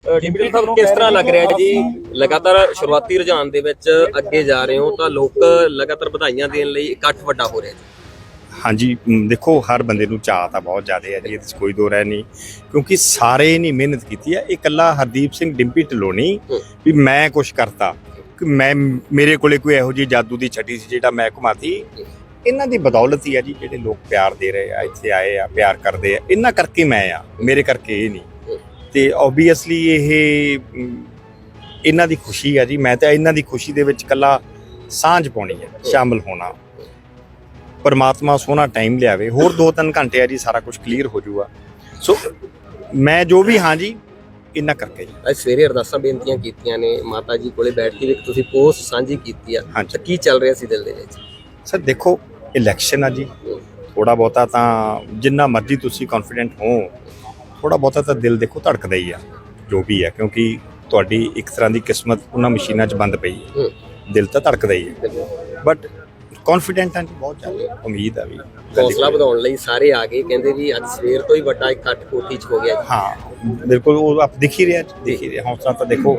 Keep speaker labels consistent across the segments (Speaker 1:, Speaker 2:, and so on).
Speaker 1: ਡਿੰਪਲ ਸਾਹਿਬ ਕਿਸ ਤਰ੍ਹਾਂ ਲੱਗ ਰਿਹਾ ਜੀ ਲਗਾਤਾਰ ਸ਼ੁਰੂਆਤੀ ਰੁਝਾਨ ਦੇ ਵਿੱਚ ਅੱਗੇ ਜਾ ਰਹੇ ਹੋ ਤਾਂ ਲੋਕ ਲਗਾਤਾਰ ਵਧਾਈਆਂ ਦੇਣ ਲਈ ਇਕੱਠ ਵੱਡਾ ਹੋ ਰਿਹਾ ਜੀ।
Speaker 2: ਹਾਂਜੀ ਦੇਖੋ ਹਰ ਬੰਦੇ ਨੂੰ ਚਾਅ ਤਾਂ ਬਹੁਤ ਜ਼ਿਆਦਾ ਹੈ ਜੀ, ਇਹਦੇ 'ਚ ਕੋਈ ਦੋ ਰਹਿ ਨਹੀਂ, ਕਿਉਂਕਿ ਸਾਰੇ ਨੇ ਮਿਹਨਤ ਕੀਤੀ ਹੈ। ਇਹ ਇਕੱਲਾ ਹਰਦੀਪ ਸਿੰਘ ਡਿੰਪੀ ਢਿੱਲੋਂ ਨਹੀਂ ਵੀ ਮੈਂ ਕੁਛ ਕਰਤਾ ਕਿ ਮੇਰੇ ਕੋਲੇ ਕੋਈ ਇਹੋ ਜਿਹੀ ਜਾਦੂ ਦੀ ਛਟੀ ਸੀ ਜਿਹੜਾ ਮੈਂ ਘੁਮਾਤੀ। ਇਹਨਾਂ ਦੀ ਬਦੌਲਤ ਹੀ ਆ ਜੀ, ਜਿਹੜੇ ਲੋਕ ਪਿਆਰ ਦੇ ਰਹੇ ਆ, ਇੱਥੇ ਆਏ ਆ, ਪਿਆਰ ਕਰਦੇ ਆ, ਇਹਨਾਂ ਕਰਕੇ ਮੈਂ ਆ, ਮੇਰੇ ਕਰਕੇ ਇਹ ਨਹੀਂ। ਤੇ ਓਬਵੀਅਸਲੀ ਇਹ ਇਹਨਾਂ ਦੀ ਖੁਸ਼ੀ ਆ ਜੀ। ਮੈਂ ਤਾਂ ਇਹਨਾਂ ਦੀ ਖੁਸ਼ੀ ਦੇ ਵਿੱਚ ਇਕੱਲਾ ਸਾਂਝ ਪਾਉਣੀ ਹੈ, ਸ਼ਾਮਲ ਹੋਣਾ। ਪਰਮਾਤਮਾ ਸੋਹਣਾ ਟਾਈਮ ਲਿਆਵੇ, ਹੋਰ 2-3 ਘੰਟੇ ਆ ਜੀ, ਸਾਰਾ ਕੁਝ ਕਲੀਅਰ ਹੋ ਜਾਊਗਾ। ਸੋ ਮੈਂ ਜੋ ਵੀ ਹਾਂ ਜੀ ਇਹਨਾਂ ਕਰਕੇ ਜੀ।
Speaker 1: ਅੱਜ ਸਵੇਰੇ ਅਰਦਾਸਾਂ ਬੇਨਤੀਆਂ ਕੀਤੀਆਂ ਨੇ ਮਾਤਾ ਜੀ ਕੋਲੇ ਬੈਠ ਕੇ, ਇੱਕ ਤੁਸੀਂ ਪੋਸਟ ਸਾਂਝੀ ਕੀਤੀ ਆ, ਤਾਂ ਕੀ ਚੱਲ ਰਿਹਾ ਸੀ ਦਿਲ ਦੇ ਵਿੱਚ?
Speaker 2: ਸਰ ਦੇਖੋ ਇਲੈਕਸ਼ਨ ਆ ਜੀ, ਥੋੜਾ ਬਹੁਤਾ ਤਾਂ ਜਿੰਨਾ ਮਰਜ਼ੀ ਤੁਸੀਂ ਕੌਨਫੀਡੈਂਟ ਹੋ, ਥੋੜਾ ਬਹੁਤਾ ਤਾਂ ਦਿਲ ਦੇਖੋ ਧੜਕਦਾ ਹੀ ਆ, ਜੋ ਵੀ ਹੈ, ਕਿਉਂਕਿ ਤੁਹਾਡੀ ਇੱਕ ਤਰ੍ਹਾਂ ਦੀ ਕਿਸਮਤ ਉਹਨਾਂ ਮਸ਼ੀਨਾਂ 'ਚ ਬੰਦ ਪਈ ਹੈ। ਦਿਲ ਤਾਂ ਧੜਕਦਾ ਹੀ ਹੈ, ਬਟ ਕੌਨਫੀਡੈਂਟ ਹਾਂ ਜੀ, ਬਹੁਤ ਜ਼ਿਆਦਾ ਉਮੀਦ ਆ ਵੀ।
Speaker 1: ਹੌਸਲਾ ਵਧਾਉਣ ਲਈ ਸਾਰੇ ਆ ਗਏ, ਕਹਿੰਦੇ ਵੀ ਅੱਜ ਸਵੇਰ ਤੋਂ ਹੀ ਵੱਡਾ ਇਕੱਠ ਕੋਠੀ 'ਚ ਹੋ ਗਿਆ।
Speaker 2: ਹਾਂ ਬਿਲਕੁਲ, ਉਹ ਆਪ ਦਿਖ ਹੀ ਰਿਹਾ, ਹੌਸਲਾ ਤਾਂ ਦੇਖੋ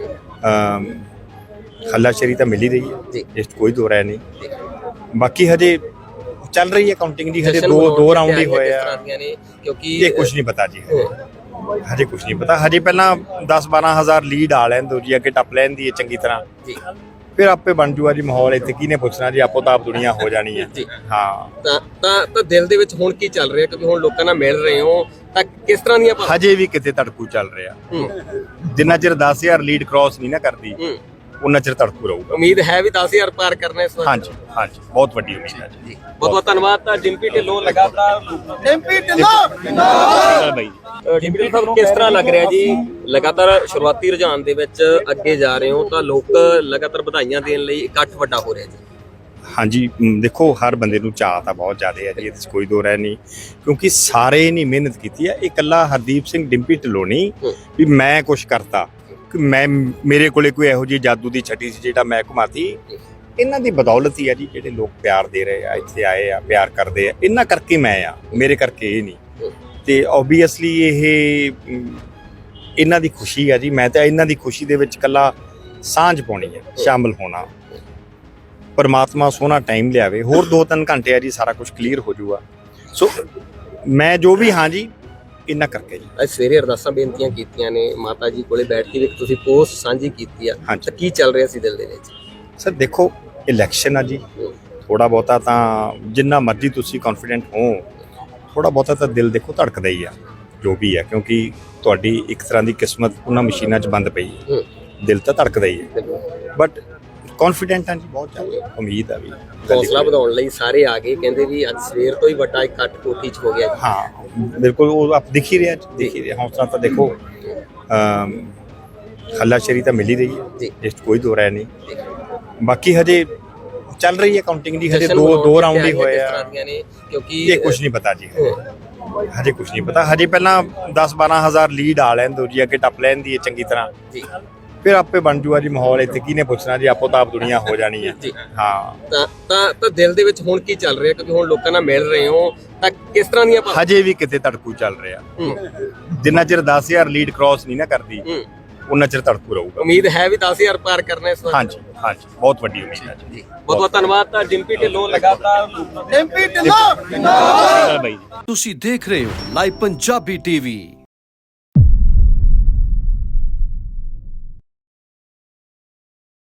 Speaker 2: ਹੱਲਾਸ਼ੇਰੀ ਤਾਂ ਮਿਲ ਹੀ ਰਹੀ ਹੈ, ਇਸ 'ਚ ਕੋਈ ਦੋ ਰਹਿ ਨਹੀਂ। ਬਾਕੀ ਹਜੇ ਚੱਲ ਰਹੀ ਹੈ ਕਾਊਂਟਿੰਗ ਦੀ, ਹਜੇ ਦੋ ਰਾਉਂਡ ਹੀ ਹੋਏ ਆ,
Speaker 1: ਕਿਉਂਕਿ
Speaker 2: ਇਹ ਕੁਝ ਨਹੀਂ ਪਤਾ ਜੀ, ਹਜੇ ਕੁਝ ਨਹੀਂ ਪਤਾ। ਹਜੇ ਪਹਿਲਾਂ 10-12 ਹਜ਼ਾਰ ਲੀਡ ਆ ਲੈਣ ਦੋ ਜੀ, ਅੱਗੇ ਟੱਪ ਲੈਣ ਦੀ ਚੰਗੀ ਤਰ੍ਹਾਂ, ਫਿਰ ਆਪੇ ਬਣ ਜੂਗਾ ਜੀ ਮਾਹੌਲ। ਇੱਥੇ ਕਿਹਨੇ ਪੁੱਛਣਾ ਜੀ, ਆਪੋ ਤਾਂ ਆਪ ਦੁਨੀਆ ਹੋ ਜਾਣੀ ਹੈ। ਹਾਂ
Speaker 1: ਤਾਂ ਦਿਲ ਦੇ ਵਿੱਚ ਹੁਣ ਕੀ ਚੱਲ ਰਿਹਾ, ਕਿਉਂਕਿ ਹੁਣ ਲੋਕਾਂ ਨਾਲ ਮਿਲ ਰਹੇ ਹੋ ਤਾਂ ਕਿਸ ਤਰ੍ਹਾਂ ਦੀਆਂ?
Speaker 2: ਹਜੇ ਵੀ ਕਿਤੇ ਧੜਕੂ ਚੱਲ ਰਿਹਾ, ਜਿੰਨਾ ਚਿਰ 10,000 ਲੀਡ ਕ੍ਰਾਸ ਨਹੀਂ ਨਾ ਕਰਦੀ ਉਹਨਾਂ ਚਿਰ ਧੜਕੂ ਰਹੂਗਾ।
Speaker 1: ਉਮੀਦ ਹੈ ਵੀ 10,000 ਪਾਰ ਕਰਨਾ ਇਸ ਵਾਰ?
Speaker 2: ਹਾਂਜੀ ਹਾਂਜੀ, ਬਹੁਤ ਵੱਡੀ ਉਮੀਦ ਹੈ ਜੀ।
Speaker 1: ਬਹੁਤ ਬਹੁਤ ਧੰਨਵਾਦ। ਤਾਂ ਡਿੰਪੀ ਢਿੱਲੋਂ ਲਗਾਤਾਰ
Speaker 2: ਡਿੰਪੀ ਢਿੱਲੋਂ ਬਾਈ
Speaker 1: ਡਿੰਪਲ ਸਾਹਿਬ ਕਿਸ ਤਰ੍ਹਾਂ ਲੱਗ ਰਿਹਾ ਜੀ ਲਗਾਤਾਰ ਸ਼ੁਰੂਆਤੀ ਰੁਝਾਨ ਦੇ ਵਿੱਚ ਅੱਗੇ ਜਾ ਰਹੇ ਹੋ ਤਾਂ ਲੋਕ ਲਗਾਤਾਰ ਵਧਾਈਆਂ ਦੇਣ ਲਈ ਇਕੱਠ ਵੱਡਾ ਹੋ ਰਿਹਾ ਜੀ?
Speaker 2: ਹਾਂਜੀ ਦੇਖੋ ਹਰ ਬੰਦੇ ਨੂੰ ਚਾਅ ਤਾਂ ਬਹੁਤ ਜ਼ਿਆਦਾ ਹੈ ਜੀ, ਇਹਦੇ 'ਚ ਕੋਈ ਦੋ ਰਹਿ ਨਹੀਂ, ਕਿਉਂਕਿ ਸਾਰੇ ਨੇ ਮਿਹਨਤ ਕੀਤੀ ਹੈ। ਇਹ ਇਕੱਲਾ ਹਰਦੀਪ ਸਿੰਘ ਡਿੰਪੀ ਢਿੱਲੋਂ ਨਹੀਂ ਵੀ ਮੈਂ ਕੁਛ ਕਰਤਾ ਕਿ ਮੇਰੇ ਕੋਲੇ ਕੋਈ ਇਹੋ ਜਿਹੀ ਜਾਦੂ ਦੀ ਛਟੀ ਸੀ ਜਿਹੜਾ ਮੈਂ ਘੁਮਾਤੀ। ਇਹਨਾਂ ਦੀ ਬਦੌਲਤ ਹੀ ਆ ਜੀ, ਜਿਹੜੇ ਲੋਕ ਪਿਆਰ ਦੇ ਰਹੇ ਆ, ਇੱਥੇ ਆਏ ਆ, ਪਿਆਰ ਕਰਦੇ ਆ, ਇਹਨਾਂ ਕਰਕੇ ਮੈਂ ਆ, ਮੇਰੇ ਕਰਕੇ ਇਹ ਨਹੀਂ। ਤੇ ਓਬਵੀਅਸਲੀ ਇਹ ਇਹਨਾਂ ਦੀ ਖੁਸ਼ੀ ਆ ਜੀ। ਮੈਂ ਤਾਂ ਇਹਨਾਂ ਦੀ ਖੁਸ਼ੀ ਦੇ ਵਿੱਚ ਇਕੱਲਾ ਸਾਂਝ ਪਾਉਣੀ ਹੈ, ਸ਼ਾਮਲ ਹੋਣਾ। ਪਰਮਾਤਮਾ ਸੋਹਣਾ ਟਾਈਮ ਲਿਆਵੇ, ਹੋਰ 2-3 ਘੰਟੇ ਆ ਜੀ, ਸਾਰਾ ਕੁਝ ਕਲੀਅਰ ਹੋ ਜਾਊਗਾ। ਸੋ ਮੈਂ ਜੋ ਵੀ ਹਾਂ ਜੀ ਇਹਨਾਂ ਕਰਕੇ ਜੀ।
Speaker 1: ਅੱਜ ਸਵੇਰੇ ਅਰਦਾਸਾਂ ਬੇਨਤੀਆਂ ਕੀਤੀਆਂ ਨੇ ਮਾਤਾ ਜੀ ਕੋਲੇ ਬੈਠ ਕੇ, ਇੱਕ ਤੁਸੀਂ ਪੋਸਟ ਸਾਂਝੀ ਕੀਤੀ ਆ, ਤਾਂ ਕੀ ਚੱਲ ਰਿਹਾ ਸੀ ਦਿਲ ਦੇ ਵਿੱਚ?
Speaker 2: ਸਰ ਦੇਖੋ ਇਲੈਕਸ਼ਨ ਆ ਜੀ, ਥੋੜਾ ਬਹੁਤਾ ਤਾਂ ਜਿੰਨਾ ਮਰਜ਼ੀ ਤੁਸੀਂ ਕੌਨਫੀਡੈਂਟ ਹੋ, ਥੋੜਾ ਬਹੁਤਾ ਤਾਂ ਦਿਲ ਦੇਖੋ ਧੜਕਦਾ ਹੀ ਆ, ਜੋ ਵੀ ਹੈ, ਕਿਉਂਕਿ ਤੁਹਾਡੀ ਇੱਕ ਤਰ੍ਹਾਂ ਦੀ ਕਿਸਮਤ ਉਹਨਾਂ ਮਸ਼ੀਨਾਂ 'ਚ ਬੰਦ ਪਈ ਹੈ। ਦਿਲ ਤਾਂ ਧੜਕਦਾ ਹੀ ਹੈ, ਬਟ ਕੌਨਫੀਡੈਂਟ ਹਾਂ ਜੀ, ਬਹੁਤ ਜ਼ਿਆਦਾ ਉਮੀਦ ਆ ਵੀ।
Speaker 1: ਹੌਸਲਾ ਵਧਾਉਣ ਲਈ ਸਾਰੇ ਆ ਗਏ, ਕਹਿੰਦੇ ਵੀ ਅੱਜ ਸਵੇਰ ਤੋਂ ਹੀ ਵੱਡਾ ਇਕੱਠ ਕੋਠੀ 'ਚ ਹੋ ਗਿਆ।
Speaker 2: ਹਾਂ ਬਿਲਕੁਲ, ਉਹ ਆਪ ਦਿਖ ਹੀ ਰਿਹਾ, ਹੌਸਲਾ ਤਾਂ ਦੇਖੋ ਹੱਲਾਸ਼ੇਰੀ ਤਾਂ ਮਿਲ ਹੀ ਰਹੀ ਹੈ, ਇਸ 'ਚ ਕੋਈ ਦੋ ਰਹਿ ਨਹੀਂ। ਬਾਕੀ ਹਜੇ ਚੱਲ ਰਹੀ ਹੈ ਕਾਊਂਟਿੰਗ ਦੀ, ਹਜੇ ਦੋ ਰਾਉਂਡ ਹੀ ਹੋਏ ਆ,
Speaker 1: ਕਿਉਂਕਿ
Speaker 2: ਇਹ ਕੁਝ ਨਹੀਂ ਪਤਾ ਜੀ, ਹਜੇ ਕੁਝ ਨਹੀਂ ਪਤਾ। ਹਜੇ ਪਹਿਲਾਂ 10-12 ਹਜ਼ਾਰ ਲੀਡ ਆ ਲੈਣ ਦੋ ਜੀ, ਅੱਗੇ ਟੱਪ ਲੈਣ ਦੀ ਚੰਗੀ ਤਰ੍ਹਾਂ, ਫਿਰ ਆਪੇ ਬਣ ਜੂਗਾ ਜੀ ਮਾਹੌਲ। ਇੱਥੇ ਕਿਹਨੇ ਪੁੱਛਣਾ ਜੀ, ਆਪੋ ਤਾਂ ਆਪ ਦੁਨੀਆ ਹੋ ਜਾਣੀ ਹੈ। ਹਾਂ
Speaker 1: ਤਾਂ ਦਿਲ ਦੇ ਵਿੱਚ ਹੁਣ ਕੀ ਚੱਲ ਰਿਹਾ, ਕਿਉਂਕਿ ਹੁਣ ਲੋਕਾਂ ਨਾਲ ਮਿਲ ਰਹੇ ਹੋ ਤਾਂ ਕਿਸ ਤਰ੍ਹਾਂ ਦੀਆਂ?
Speaker 2: ਹਜੇ ਵੀ ਕਿਤੇ ਧੜਕੂ ਚੱਲ ਰਿਹਾ, ਜਿੰਨਾ ਚਿਰ 10,000 ਲੀਡ ਕ੍ਰਾਸ ਨਹੀਂ ਨਾ ਕਰਦੀ ਉਹਨਾਂ ਚਿਰ ਧੜਕੂ ਰਹੂਗਾ।
Speaker 1: ਉਮੀਦ ਹੈ ਵੀ 10,000 ਪਾਰ ਕਰਨਾ ਇਸ ਵਾਰ?
Speaker 2: ਹਾਂਜੀ ਹਾਂਜੀ, ਬਹੁਤ ਵੱਡੀ ਉਮੀਦ ਹੈ ਜੀ।
Speaker 1: ਬਹੁਤ ਬਹੁਤ ਧੰਨਵਾਦ। ਤਾਂ ਡਿੰਪੀ ਢਿੱਲੋਂ ਲਗਾਤਾਰ
Speaker 2: ਡਿੰਪੀ ਢਿੱਲੋਂ ਬਾਈ।
Speaker 3: ਤੁਸੀਂ ਦੇਖ ਰਹੇ ਹੋ ਲਾਈਵ ਪੰਜਾਬੀ ਟੀਵੀ।